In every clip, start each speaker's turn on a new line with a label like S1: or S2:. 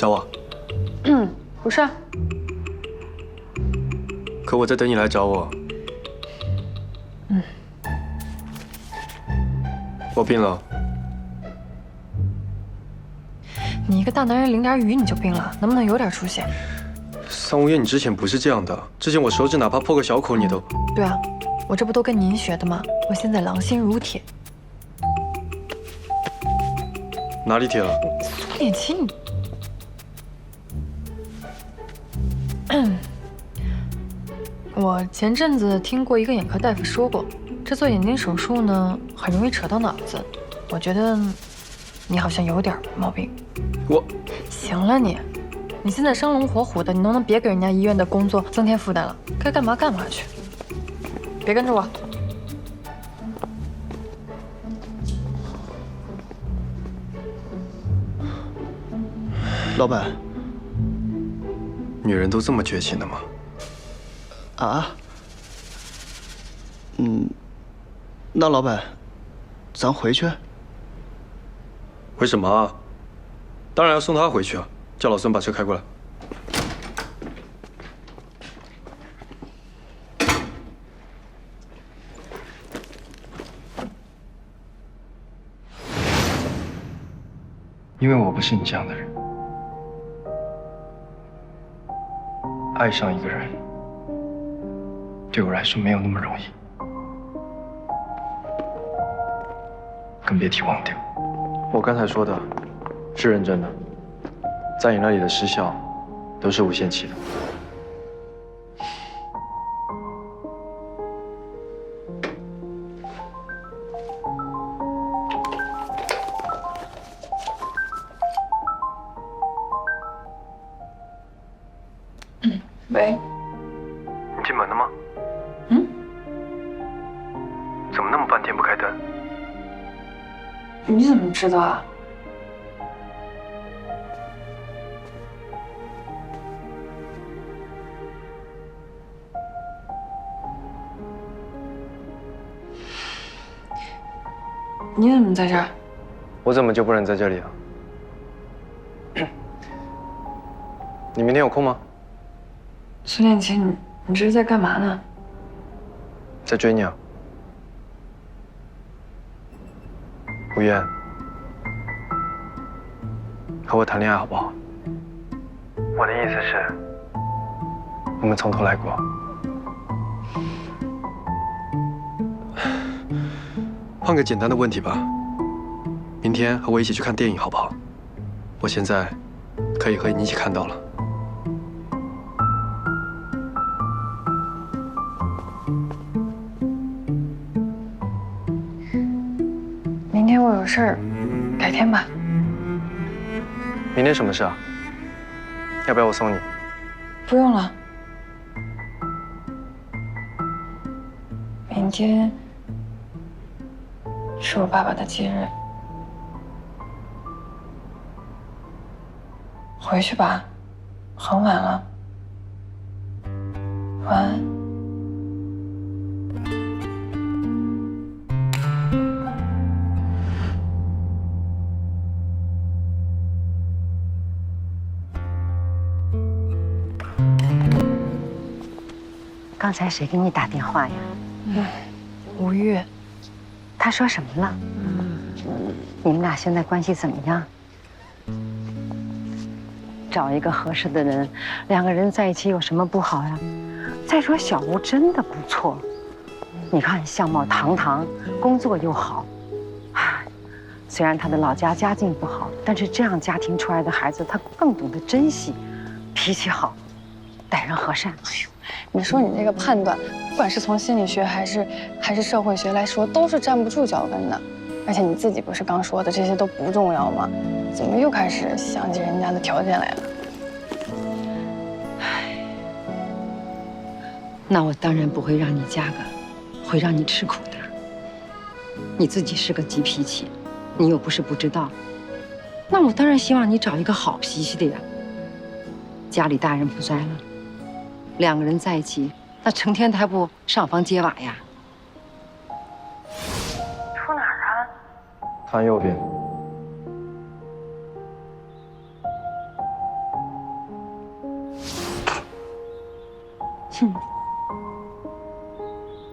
S1: 找我？
S2: 不是。
S1: 可我在等你来找我。我病了。
S2: 你一个大男人淋点雨你就病了，能不能有点出息？
S1: 桑无烟，你之前不是这样的。之前我手指哪怕破个小口，你都……
S2: 对啊，我这不都跟您学的吗？我现在狼心如铁。
S1: 哪里铁了？
S2: 苏脸奇，你……我前阵子听过一个眼科大夫说过，这做眼睛手术呢，很容易扯到脑子。我觉得你好像有点毛病。
S1: 我……
S2: 行了你，你现在生龙活虎的，你能不能别给人家医院的工作增添负担了？该干嘛干嘛去，别跟着我。
S3: 老板，
S1: 女人都这么绝情的吗？
S3: 啊？那老板，咱回去？
S1: 回什么啊？当然要送她回去啊！叫老孙把车开过来。因为我不是你这样的人，爱上一个人对我来说没有那么容易，更别提忘掉。我刚才说的是认真的，在你那里的失效都是无限期的。
S2: 喂，
S1: 你进门了吗？怎么那么半天不开灯？
S2: 你怎么知道啊？你怎么在这儿？
S1: 我怎么就不能在这里啊？你明天有空吗？
S2: 苏恋情，你这是在干嘛呢？
S1: 在追你啊。吴渊，和我谈恋爱好不好？我的意思是，我们从头来过。换个简单的问题吧，明天和我一起去看电影好不好？我现在可以和你一起看到了。
S2: 明天我有事儿，改天吧。
S1: 明天什么事啊？要不要我送你？
S2: 不用了。明天是我爸爸的忌日，回去吧，很晚了。晚安。
S4: 刚才谁给你打电话呀？
S2: 吴越，
S4: 他说什么了？你们俩现在关系怎么样？找一个合适的人，两个人在一起有什么不好呀？再说小吴真的不错，你看相貌堂堂，工作又好，虽然他的老家家境不好，但是这样家庭出来的孩子，他更懂得珍惜，脾气好，待人和善。
S2: 你说你这个判断，不管是从心理学还是社会学来说，都是站不住脚跟的。而且你自己不是刚说的这些都不重要吗？怎么又开始想起人家的条件来了？
S4: 那我当然不会让你嫁个会让你吃苦的。你自己是个急脾气，你又不是不知道。那我当然希望你找一个好脾气的呀。家里大人不在了，两个人在一起，那成天还不上房揭瓦呀？
S2: 出哪儿啊？
S1: 看右边。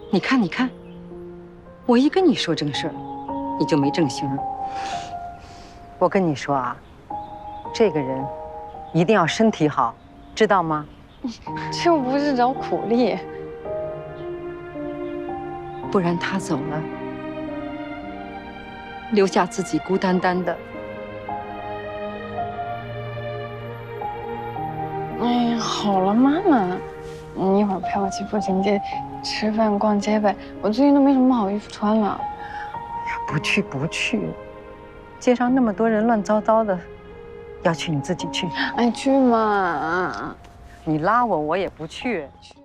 S4: 你看，你看，我一跟你说正事儿，你就没正形儿。我跟你说啊，这个人一定要身体好，知道吗？
S2: 这又不是找苦力。
S4: 不然他走了，留下自己孤单单的。
S2: 哎呀，好了，妈妈，你一会儿陪我去步行街吃饭、逛街呗。我最近都没什么好衣服穿了。
S4: 不去不去，街上那么多人乱糟糟的，要去你自己去。
S2: 哎，去嘛！
S4: 你拉我，我也不去。